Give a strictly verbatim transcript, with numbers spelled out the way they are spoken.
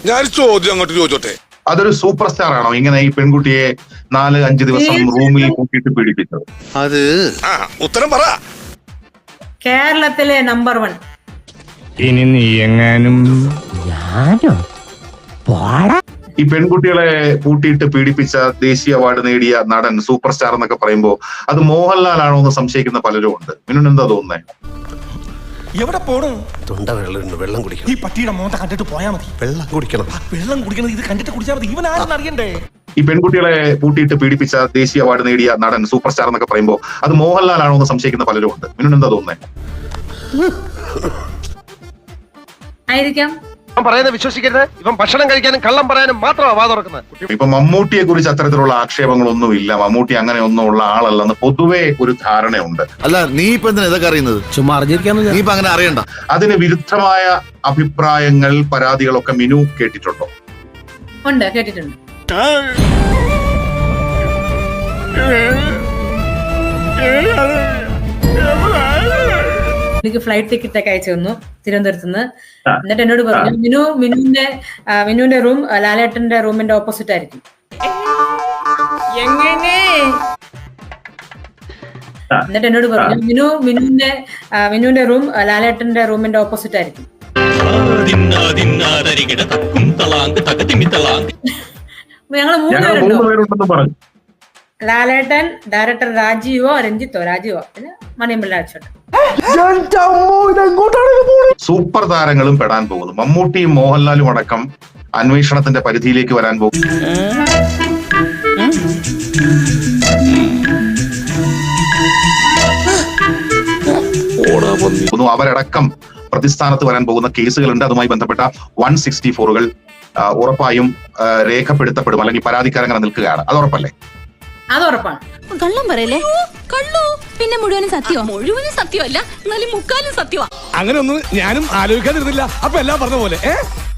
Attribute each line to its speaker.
Speaker 1: ഞാൻ ചോദ്യം അങ്ങോട്ട് ചോദിച്ചോട്ടെ,
Speaker 2: അതൊരു സൂപ്പർ സ്റ്റാർ ആണോ ഇങ്ങനെ ഈ പെൺകുട്ടിയെ നാല് അഞ്ച് ദിവസം റൂമിൽ കൂട്ടിയിട്ട് പീഡിപ്പിച്ചത്?
Speaker 1: അത് ഉത്തരം പറ.
Speaker 3: കേരളത്തിലെ നമ്പർ വൺ.
Speaker 4: ഇനി നീ എങ്ങാനും
Speaker 2: ഈ പെൺകുട്ടികളെ കൂട്ടിയിട്ട് പീഡിപ്പിച്ച ദേശീയ അവാർഡ് നേടിയ നടൻ സൂപ്പർ സ്റ്റാർ എന്നൊക്കെ പറയുമ്പോ അത് മോഹൻലാൽ ആണോ എന്ന് സംശയിക്കുന്ന പലരും ഉണ്ട്. മിനുന് എന്താ തോന്നുന്നത്?
Speaker 5: എവിടെ പോണു?
Speaker 6: തൊണ്ട വെള്ളം വെള്ളം കുടിക്കണം.
Speaker 5: ഈ പട്ടിയുടെ മോന്ത കണ്ടിട്ട് പോയാ മതി.
Speaker 6: വെള്ളം കുടിക്കണം.
Speaker 5: വെള്ളം കുടിക്കണത് ഇത് കണ്ടിട്ട് കുടിച്ചാൽ മതി. ഇവൻ ആരെന്ന് അറിയണ്ടേ?
Speaker 2: ഈ പെൺകുട്ടികളെ കൂട്ടിയിട്ട് പീഡിപ്പിച്ച ദേശീയ അവാർഡ് നേടിയ നടൻ സൂപ്പർ സ്റ്റാർ എന്നൊക്കെ പറയുമ്പോ അത് മോഹൻലാൽ ആണോ എന്ന് സംശയിക്കുന്ന പലരും ഉണ്ട്. മിനുന് എന്താ തോന്നുന്നത്?
Speaker 3: ആയിരിക്കാം.
Speaker 6: പറയുന്നത് വിശ്വസിക്കരുത്. ഇവൻ ഭക്ഷണം കഴിക്കാനും കള്ളം പറയാനും മാത്രമാണ് വാ തുറക്കുന്നത്.
Speaker 2: ഇപ്പൊ മമ്മൂട്ടിയെ കുറിച്ച് അത്തരത്തിലുള്ള ആക്ഷേപങ്ങളൊന്നും ഇല്ല. മമ്മൂട്ടി അങ്ങനെ ഒന്നും ഉള്ള ആളല്ലെന്ന് പൊതുവെ ഒരു ധാരണയുണ്ട്.
Speaker 7: അല്ല, നീ ഇപ്പൊ എന്തിനാ ഇതൊക്കെ അറിയുന്നത്? ചുമ്മാ അറിഞ്ഞിരിക്കാന്ന്. നീ ഇപ്പൊ അങ്ങനെ അറിയണ്ട.
Speaker 2: അതിന് വിരുദ്ധമായ അഭിപ്രായങ്ങൾ, പരാതികളൊക്കെ മിനു കേട്ടിട്ടുണ്ടോ?
Speaker 3: ഉണ്ട്, കേട്ടിട്ടുണ്ട്. എനിക്ക് ഫ്ലൈറ്റ് ടിക്കറ്റ് ഒക്കെ അയച്ചു തന്നു തിരുവനന്തപുരത്ത് നിന്ന്. എന്നിട്ട് എന്നോട് പറഞ്ഞു, മിനു മിനുവിന്റെ മിനുവിന്റെ റൂം ലാലേട്ടന്റെ റൂമിന്റെ ഓപ്പോസിറ്റ് ആയിരിക്കും. എങ്ങനെ? എന്നിട്ട് എന്നോട് പറഞ്ഞു, മിനു മിനുവിന്റെ മിനുവിന്റെ റൂം ലാലേട്ടന്റെ റൂമിന്റെ ഓപ്പോസിറ്റ് ആയിരിക്കും. ഞങ്ങള് മൂന്നുപേരുണ്ടോ? ലാലേട്ടൻ, ഡയറക്ടർ രാജീവോ രഞ്ജിത്തോ രാജീവോ പിന്നെ മണിയമ്പിള്ള അച്ഛൻ.
Speaker 2: സൂപ്പർ താരങ്ങളും പെടാൻ പോകുന്നു. മമ്മൂട്ടിയും മോഹൻലാലും അടക്കം അന്വേഷണത്തിന്റെ പരിധിയിലേക്ക് വരാൻ പോകുന്നു. അവരടക്കം പ്രതിസ്ഥാനത്ത് വരാൻ പോകുന്ന കേസുകളുണ്ട്. അതുമായി ബന്ധപ്പെട്ട വൺ സിക്സ്റ്റി ഫോറുകൾ ഉറപ്പായും രേഖപ്പെടുത്തപ്പെടും, അല്ലെങ്കിൽ പരാതിക്കാരങ്ങനെ നിൽക്കുകയാണ്. അത് ഉറപ്പല്ലേ?
Speaker 3: അത് ഉറപ്പാണ്.
Speaker 8: കള്ളം പറയല്ലേ? കള്ളു പിന്നെ മുഴുവനും സത്യമാ? മുഴുവനും സത്യമല്ല, എന്നാലും മുക്കാലും സത്യമാ.
Speaker 5: അങ്ങനെ ഒന്നും ഞാനും ആലോചിക്കാതിരുന്നില്ല. അപ്പൊ എല്ലാം പറഞ്ഞ പോലെ.